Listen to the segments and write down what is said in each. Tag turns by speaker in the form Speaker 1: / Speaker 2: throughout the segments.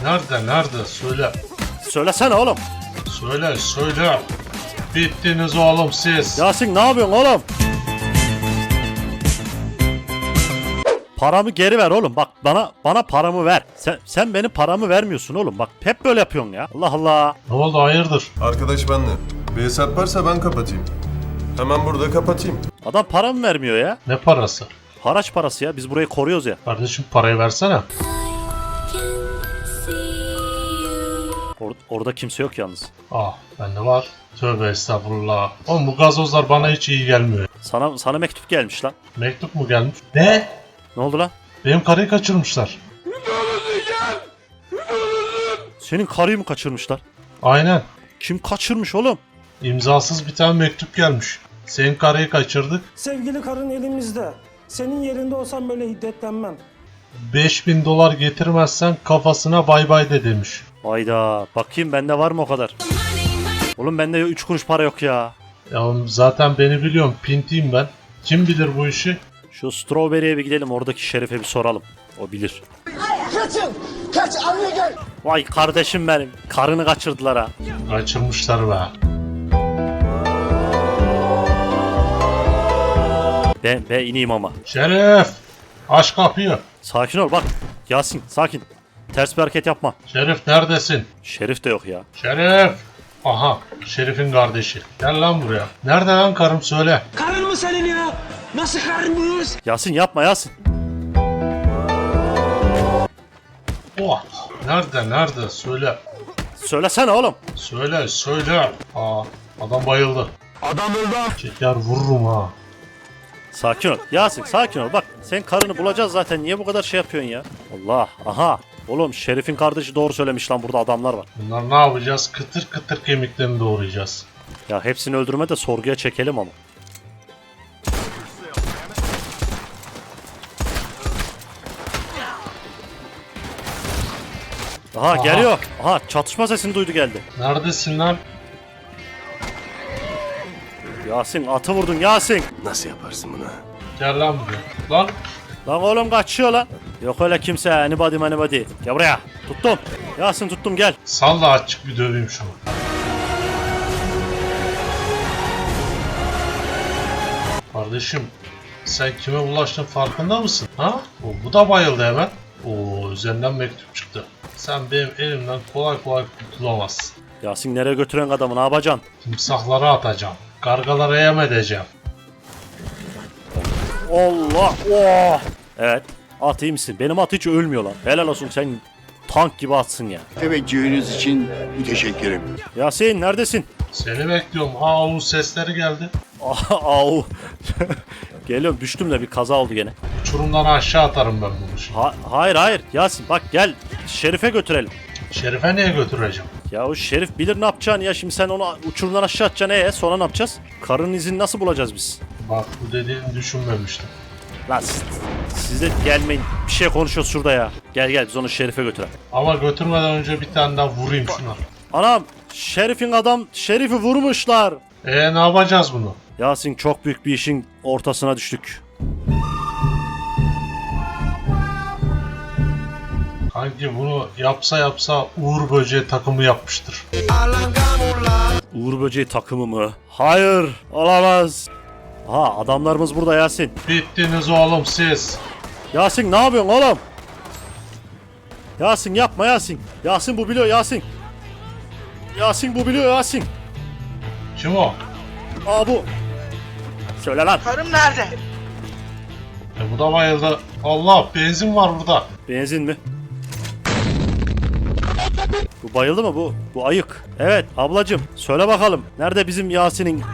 Speaker 1: Nerede? Söyle.
Speaker 2: Söylesene oğlum.
Speaker 1: Söyle. Bittiniz oğlum siz.
Speaker 2: Yasin ne yapıyorsun oğlum? Paramı geri ver oğlum. Bak bana paramı ver. Sen benim paramı vermiyorsun oğlum. Bak hep böyle yapıyorsun ya. Allah Allah.
Speaker 1: Ne oldu hayırdır?
Speaker 3: Arkadaş benle. Bir hesap varsa ben kapatayım. Hemen burada kapatayım.
Speaker 2: Adam paramı vermiyor ya.
Speaker 1: Ne parası?
Speaker 2: Haraç parası ya. Biz burayı koruyoruz ya.
Speaker 1: Kardeşim parayı versene.
Speaker 2: Orada kimse yok yalnız.
Speaker 1: Bende var. Tövbe estağfurullah. Oğlum bu gazozlar bana hiç iyi gelmiyor.
Speaker 2: Sana mektup gelmiş lan.
Speaker 1: Mektup mu gelmiş? Ne?
Speaker 2: Ne oldu lan?
Speaker 1: Benim karıyı kaçırmışlar.
Speaker 2: Senin karıyı mı kaçırmışlar?
Speaker 1: Aynen.
Speaker 2: Kim kaçırmış oğlum?
Speaker 1: İmzasız bir tane mektup gelmiş. Senin karıyı kaçırdık.
Speaker 4: Sevgili karın elimizde. Senin yerinde olsam böyle hiddetlenmem.
Speaker 1: $5000 getirmezsen kafasına bay bay de demiş.
Speaker 2: Hayda. Bakayım bende var mı o kadar? Oğlum bende 3 kuruş para yok ya.
Speaker 1: Ya zaten beni biliyorum. Pintiyim ben. Kim bilir bu işi?
Speaker 2: Şu Strawberry'e bir gidelim. Oradaki şerife bir soralım. O bilir.
Speaker 5: Kaç anne gel.
Speaker 2: Vay kardeşim benim. Karını kaçırdılar ha.
Speaker 1: Kaçırmışlar be.
Speaker 2: Ben ineyim ama.
Speaker 1: Şerif! Aç kapıyı.
Speaker 2: Sakin ol bak. Yasin sakin. Ters bir hareket yapma.
Speaker 1: Şerif neredesin?
Speaker 2: Şerif de yok ya.
Speaker 1: Şerif! Aha, Şerif'in kardeşi. Gel lan buraya. Nerede lan karım söyle.
Speaker 4: Karın mı senin ya? Nasıl karın bu?
Speaker 2: Yasin yapma Yasin.
Speaker 1: Oh, nerede söyle.
Speaker 2: Söylesene oğlum.
Speaker 1: Söyle. Adam bayıldı. Adam öldü. Çeker vururum ha.
Speaker 2: Sakin ol. Yasin sakin ol. Bak sen karını bulacağız zaten. Niye bu kadar şey yapıyorsun ya? Allah. Aha. Oğlum Şerif'in kardeşi doğru söylemiş lan. Burada adamlar var.
Speaker 1: Bunlar ne yapacağız? Kıtır kıtır kemiklerini doğrayacağız.
Speaker 2: Ya hepsini öldürme de sorguya çekelim ama. Aha geliyor. Aha çatışma sesini duydu geldi.
Speaker 1: Neredesin lan?
Speaker 2: Yasin atı vurdun Yasin.
Speaker 3: Nasıl yaparsın bunu?
Speaker 1: Gel lan buraya. Lan
Speaker 2: Lan oğlum kaçıyor lan. Yok öyle kimse. Anybody. Gel buraya. Tuttum. Yasin tuttum gel.
Speaker 1: salla açık bir döveyim şunu. Kardeşim sen kime bulaştın farkında mısın? Ha? Bu da bayıldı hemen. Üzerinden mektup çıktı. Sen benim elimden kolay kurtulamazsın.
Speaker 2: Yasin nereye götüren adamı ne yapacaksın?
Speaker 1: Timsahlara atacağım. Kargalara yem edeceğim.
Speaker 2: Allah. Oh. Evet. At iyi misin? Benim at hiç ölmüyor lan. Helal olsun sen tank gibi atsın ya.
Speaker 6: Teveccühünüz için müteşekkirim.
Speaker 2: Yasin neredesin?
Speaker 1: Seni bekliyorum. Sesleri geldi.
Speaker 2: Au. Geliyorum düştüm de bir kaza oldu gene.
Speaker 1: Uçurumdan aşağı atarım ben bunu şimdi.
Speaker 2: Hayır. Yasin bak gel. Şerif'e götürelim.
Speaker 1: Şerife niye götüreceğim?
Speaker 2: Ya o Şerif bilir ne yapacağını ya. Şimdi sen onu uçurumdan aşağı atacaksın. Sonra ne yapacağız? Karının izini nasıl bulacağız biz?
Speaker 1: Bak bu dediğini düşünmemiştim.
Speaker 2: Lan siz de gelmeyin. Bir şey konuşuyoruz şurada ya. Gel biz onu Şerif'e götürelim.
Speaker 1: Ama götürmeden önce bir tane daha vurayım şuna.
Speaker 2: Anam Şerif'i vurmuşlar.
Speaker 1: Ne yapacağız bunu?
Speaker 2: Yasin çok büyük bir işin ortasına düştük.
Speaker 1: Kanki bunu yapsa Uğur Böceği takımı yapmıştır.
Speaker 2: Uğur Böceği takımı mı? Hayır olamaz. Ha adamlarımız burada Yasin.
Speaker 1: Bittiniz oğlum siz.
Speaker 2: Yasin ne yapıyorsun oğlum? Yasin yapma Yasin. Yasin bu biliyor Yasin. Yasin bu biliyor Yasin.
Speaker 1: Kim o?
Speaker 2: Bu. Söyle lan.
Speaker 5: Karım nerede?
Speaker 1: Bu da bayıldı. Allah benzin var burada.
Speaker 2: Benzin mi? Bu bayıldı mı bu? Bu ayık. Evet ablacım söyle bakalım. Nerede bizim Yasin'in?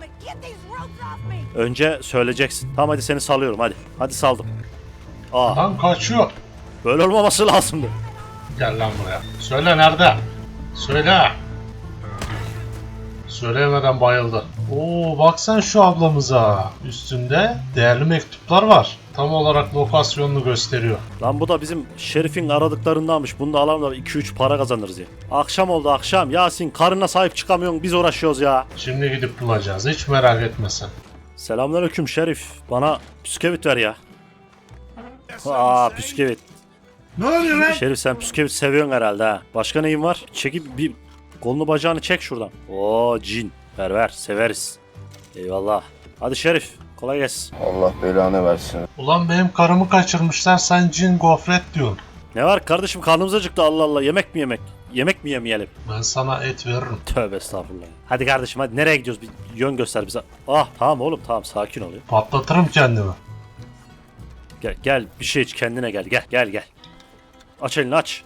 Speaker 2: Önce söyleyeceksin. Tamam hadi seni salıyorum hadi. Hadi saldım.
Speaker 1: Lan kaçıyor.
Speaker 2: Böyle olmaması lazımdı.
Speaker 1: Gel lan buraya. Söyle nerede? Söyle. Söyleyemeden bayıldı. Bak sen şu ablamıza. Üstünde değerli mektuplar var. Tam olarak lokasyonunu gösteriyor.
Speaker 2: Lan bu da bizim Şerif'in aradıklarındanmış. Bunu da alalım da 2-3 para kazanırız ya. Akşam oldu akşam. Yasin karına sahip çıkamıyorsun. Biz uğraşıyoruz ya.
Speaker 1: Şimdi gidip bulacağız. Hiç merak etme sen.
Speaker 2: Selamünaleyküm Şerif. Bana püskevit ver ya. Püskevit.
Speaker 1: Ne oluyor lan?
Speaker 2: Şerif sen püskevit seviyorsun herhalde ha. Başka neyin var? Çekip bir kolunu bacağını çek şuradan. Oo cin. Ver severiz. Eyvallah. Hadi Şerif kolay gelsin.
Speaker 6: Allah belanı versin.
Speaker 1: Ulan benim karımı kaçırmışlar, sen cin gofret diyorsun.
Speaker 2: Ne var kardeşim karnımız acıktı Allah Allah. Yemek mi yemek? Yemek mi yemeyelim?
Speaker 1: Ben sana et veririm.
Speaker 2: Tövbe estağfurullah. Hadi kardeşim hadi nereye gidiyoruz? Bir yön göster bize. Ah tamam oğlum tamam sakin ol ya.
Speaker 1: Patlatırım kendimi.
Speaker 2: Gel bir şey iç kendine gel. Aç elini aç.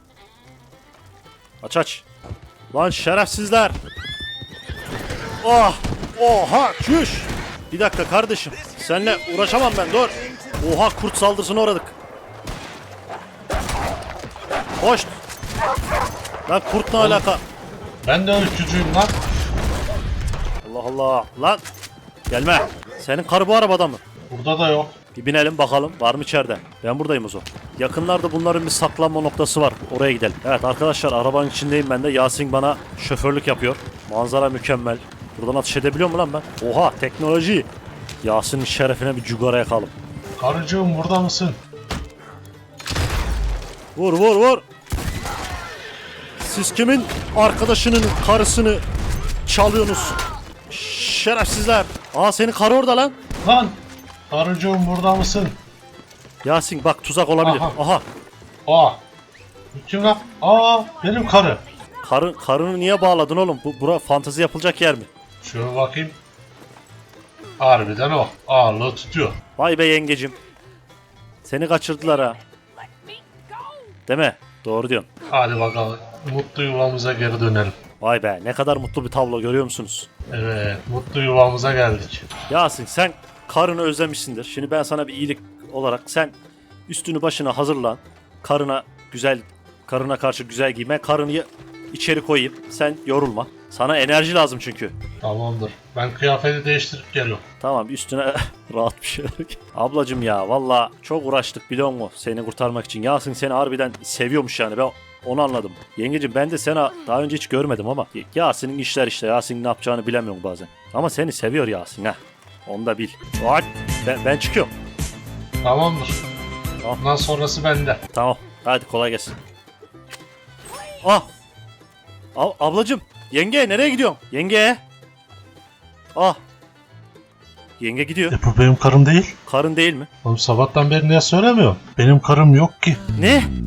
Speaker 2: Aç. Lan şerefsizler. Oh! Oha çüş. Bir dakika kardeşim. Seninle uğraşamam ben dur. Oha kurt saldırısına uğradık. Hoş. Lan kurt ne alaka?
Speaker 1: Ben de öykücüyüm lan.
Speaker 2: Allah Allah. Lan. Gelme. Senin karı bu arabada mı?
Speaker 1: Burada da yok.
Speaker 2: Bir binelim bakalım var mı içeride? Ben buradayım o zaman. Yakınlarda bunların bir saklanma noktası var. Oraya gidelim. Evet arkadaşlar arabanın içindeyim ben de. Yasin bana şoförlük yapıyor. Manzara mükemmel. Buradan atış edebiliyor mu lan ben? Oha teknoloji. Yasin'in şerefine bir cugara yakalım.
Speaker 1: Karıcığım burada mısın?
Speaker 2: Vur. Siz kimin arkadaşının karısını çalıyorsunuz? Şerefsizler. Aa senin karı orada lan.
Speaker 1: Lan! Karıcığım burada mısın?
Speaker 2: Yasin bak tuzak olabilir.
Speaker 1: Aha.
Speaker 2: Aha.
Speaker 1: Aa! Bu kim lan? Aa! Benim karı.
Speaker 2: Karını niye bağladın oğlum? Bura fantezi yapılacak yer mi?
Speaker 1: Şöyle bakayım. Harbiden o. Ağırlığı tutuyor.
Speaker 2: Vay be yengecim. Seni kaçırdılar ha. Değil mi? Doğru diyorsun.
Speaker 1: Hadi bakalım. Mutlu yuvamıza geri dönelim.
Speaker 2: Vay be ne kadar mutlu bir tablo görüyor musunuz?
Speaker 1: Evet. Mutlu yuvamıza geldik.
Speaker 2: Yasin sen karını özlemişsindir. Şimdi ben sana bir iyilik olarak sen üstünü başına hazırlan. Karına karşı güzel giyme. Karını içeri koyayım. Sen yorulma. Sana enerji lazım çünkü.
Speaker 1: Tamamdır. Ben kıyafeti değiştirip geliyorum.
Speaker 2: Tamam üstüne rahat bir şeyler giy. Ablacım ya valla çok uğraştık biliyor musun seni kurtarmak için. Yasin seni harbiden seviyormuş yani ben onu anladım. Yengecim ben de seni daha önce hiç görmedim ama Yasin'in işler işte. Yasin'in ne yapacağını bilemiyorum bazen. Ama seni seviyor Yasin ha. Onu da bil. Hadi ben çıkıyorum.
Speaker 1: Tamamdır.
Speaker 2: Tamam.
Speaker 1: Bundan sonrası bende.
Speaker 2: Tamam hadi kolay gelsin. Ah. Ablacım yenge nereye gidiyorsun? Yenge. Ah. Yenge gidiyor.
Speaker 1: Bu benim karım değil.
Speaker 2: Karın değil mi?
Speaker 1: Oğlum sabahtan beri niye söylemiyorum? Benim karım yok ki.
Speaker 2: Ne?